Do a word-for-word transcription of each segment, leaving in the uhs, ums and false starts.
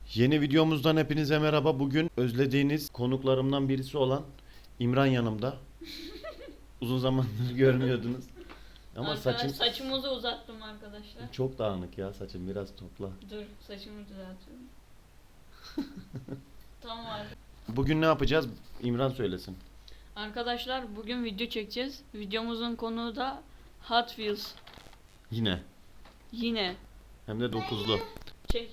Yeni videomuzdan hepinize merhaba. Bugün özlediğiniz konuklarımdan birisi olan İmran yanımda. Uzun zamandır görmüyordunuz. Ama Arkadaş, saçın saçımızı uzattım arkadaşlar. çok dağınık ya, saçın biraz topla. Dur, saçımı düzeltiyorum. Tamam abi. Bugün ne yapacağız? İmran söylesin. Arkadaşlar bugün video çekeceğiz. Videomuzun konuğu da Hot Wheels. Yine. Yine. Hem de dokuzlu. Çek.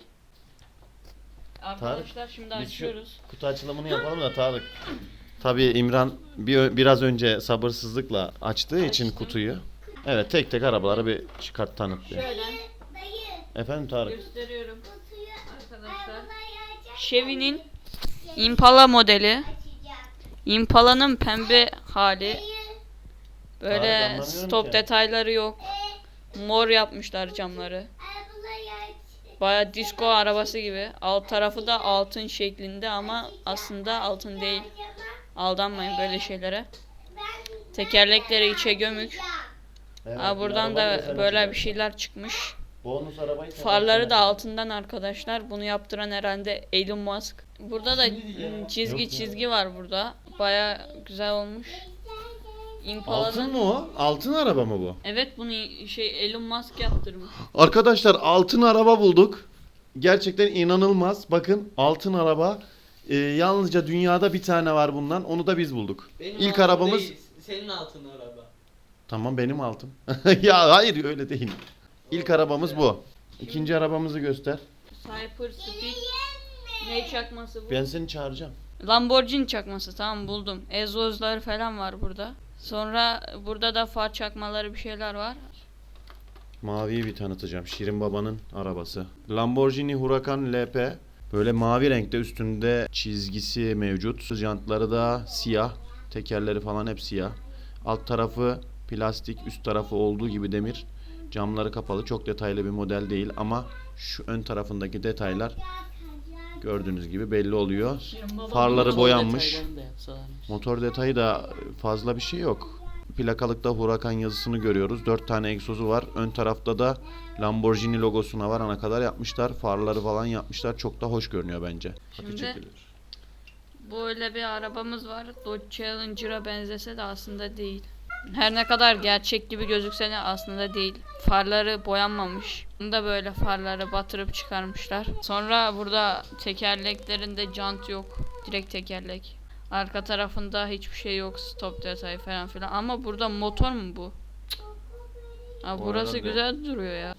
Arkadaşlar şimdi Biz şu açıyoruz. kutu açılımını yapalım da Tarık. Tabii İmran bir, biraz önce sabırsızlıkla açtığı için Açtım. kutuyu. Evet, tek tek arabaları bir çıkart, tanıt bir. Şöyle Efendim Tarık. gösteriyorum arkadaşlar. Chevy'nin Impala modeli. Impala'nın pembe hali. Böyle Tarık, anlamıyorum stop ki. detayları yok. Mor yapmışlar camları. Baya disco arabası gibi. Alt tarafı da altın şeklinde ama aslında altın değil. Aldanmayın böyle şeylere. Tekerlekleri içe gömük. Evet, Aa, bir buradan arabayı da sen böyle bir açacaksın. şeyler çıkmış. Bonus arabayı sen Farları da açacaksın. altından arkadaşlar. Bunu yaptıran herhalde Elon Musk. Burada da ım, çizgi Yok ya. çizgi var burada. Baya güzel olmuş. Impala'nın... Altın mı o? Altın araba mı bu? Evet, bunu şey Elon Musk yaptırmış. Arkadaşlar, altın araba bulduk. Gerçekten inanılmaz. Bakın, altın araba. Ee, yalnızca dünyada bir tane var bundan. Onu da biz bulduk. Benim İlk altın arabamız... değil, senin altın araba. Tamam, benim altın. Ya hayır, öyle değil. İlk arabamız bu. İkinci arabamızı göster. Cyber Speed. Ne çakması bu? Ben seni çağıracağım. Lamborghini çakması, tamam buldum. Egzozları falan var burada. Sonra burada da far çakmaları bir şeyler var. Maviyi bir tanıtacağım. Şirin Baba'nın arabası. Lamborghini Huracan L P. Böyle mavi renkte, üstünde çizgisi mevcut. Jantları da siyah. Tekerleri falan hep siyah. Alt tarafı plastik, üst tarafı olduğu gibi demir. Camları kapalı. Çok detaylı bir model değil ama şu ön tarafındaki detaylar gördüğünüz gibi belli oluyor. Farları Motor boyanmış. detaylarını da yapsalarmış. Motor detayı da fazla bir şey yok. Plakalıkta Huracan yazısını görüyoruz. dört tane egzozu var. Ön tarafta da Lamborghini logosuna varana kadar yapmışlar. Farları falan yapmışlar. Çok da hoş görünüyor bence. Hadi Şimdi- çekilir. Böyle bir arabamız var. Dodge Challenger'a benzese de aslında değil. Her ne kadar gerçek gibi gözükse de aslında değil. Farları boyanmamış. Bunu da böyle farları batırıp çıkarmışlar. Sonra burada tekerleklerinde jant yok. Direkt tekerlek. Arka tarafında hiçbir şey yok. Stop detayı falan filan. Ama burada motor mu bu? Cık. Aa, Bu burası arada- güzel duruyor ya.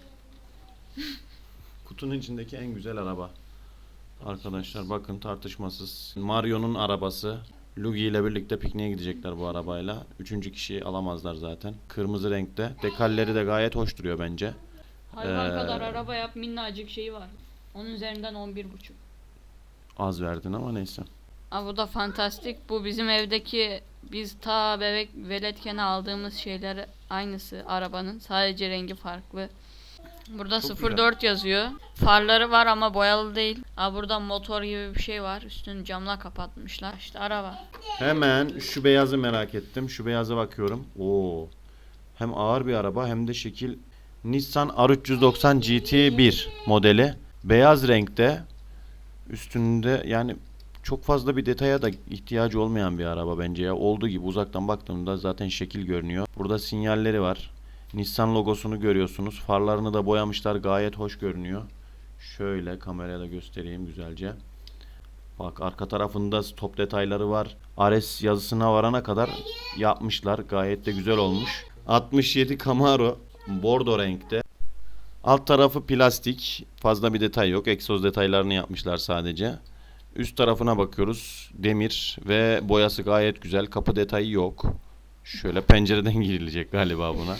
Kutunun içindeki en güzel araba. Arkadaşlar bakın, tartışmasız. Mario'nun arabası. Luigi ile birlikte pikniğe gidecekler bu arabayla. Üçüncü kişiyi alamazlar zaten. Kırmızı renkte. Dekalleri de gayet hoş duruyor bence. Hayvan Ee, kadar araba yap, minnacık şeyi var. Onun üzerinden on bir buçuk. Az verdin ama neyse. Aa, bu da fantastik. Bu bizim evdeki biz ta bebek veletken aldığımız şeyler aynısı arabanın. Sadece rengi farklı. Burada Çok sıfır dört yazıyor. Farları var ama boyalı değil. Aa, burada motor gibi bir şey var. Üstünü camla kapatmışlar. İşte araba. Hemen şu beyazı merak ettim. Şu beyaza bakıyorum. Oo. Hem ağır bir araba hem de şekil. Nissan R üç yüz doksan G T bir modeli. Beyaz renkte. Üstünde yani çok fazla bir detaya da ihtiyacı olmayan bir araba bence ya. Olduğu gibi uzaktan baktığımda zaten şekil görünüyor. Burada sinyalleri var. Nissan logosunu görüyorsunuz. Farlarını da boyamışlar. Gayet hoş görünüyor. Şöyle kameraya da göstereyim güzelce. Bak, arka tarafında stop detayları var. R S yazısına varana kadar yapmışlar. Gayet de güzel olmuş. altmış yedi Camaro bordo renkte. Alt tarafı plastik. Fazla bir detay yok. Egzoz detaylarını yapmışlar sadece. Üst tarafına bakıyoruz. Demir ve boyası gayet güzel. Kapı detayı yok. Şöyle pencereden girilecek galiba buna.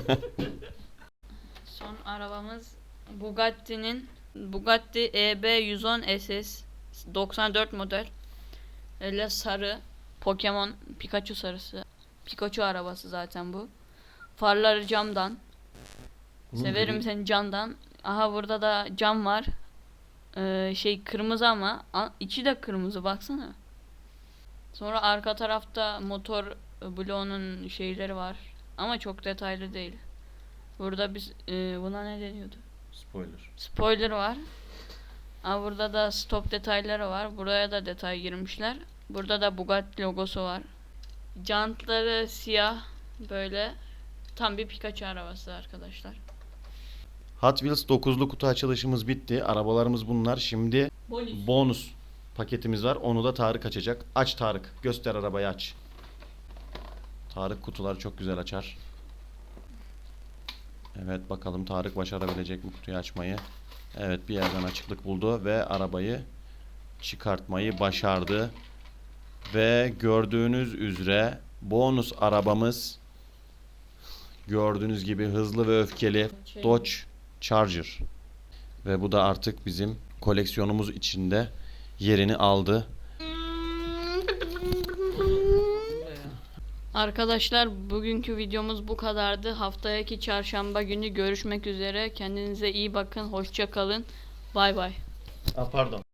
Son arabamız Bugatti'nin Bugatti E B yüz on S S doksan dört model. Öyle sarı Pokemon Pikachu sarısı. Pikachu arabası zaten bu. Farları camdan. Severim seni camdan. Aha, burada da cam var. Ee, şey kırmızı ama a- içi de kırmızı, baksana. Sonra arka tarafta motor e, bloğunun şeyleri var. Ama çok detaylı değil. Burada biz e, buna ne deniyordu? Spoiler. Spoiler var. Aa, burada da stop detayları var. Buraya da detay girmişler. Burada da Bugatti logosu var. Jantları siyah böyle. Tam bir Pikachu arabası arkadaşlar. Hot Wheels dokuzlu kutu açılışımız bitti. Arabalarımız bunlar. Şimdi Bonus. bonus paketimiz var. Onu da Tarık açacak. Aç Tarık. Göster arabayı, aç. Tarık kutuları çok güzel açar. Evet, bakalım Tarık başarabilecek mi kutuyu açmayı. Evet, bir yerden açıklık buldu ve arabayı çıkartmayı başardı. Ve gördüğünüz üzere bonus arabamız, gördüğünüz gibi hızlı ve öfkeli Dodge Charger. Ve bu da artık bizim koleksiyonumuz içinde yerini aldı. Arkadaşlar bugünkü videomuz bu kadardı. Haftaki çarşamba günü görüşmek üzere. Kendinize iyi bakın. Hoşça kalın. Bay bay. Aa, pardon.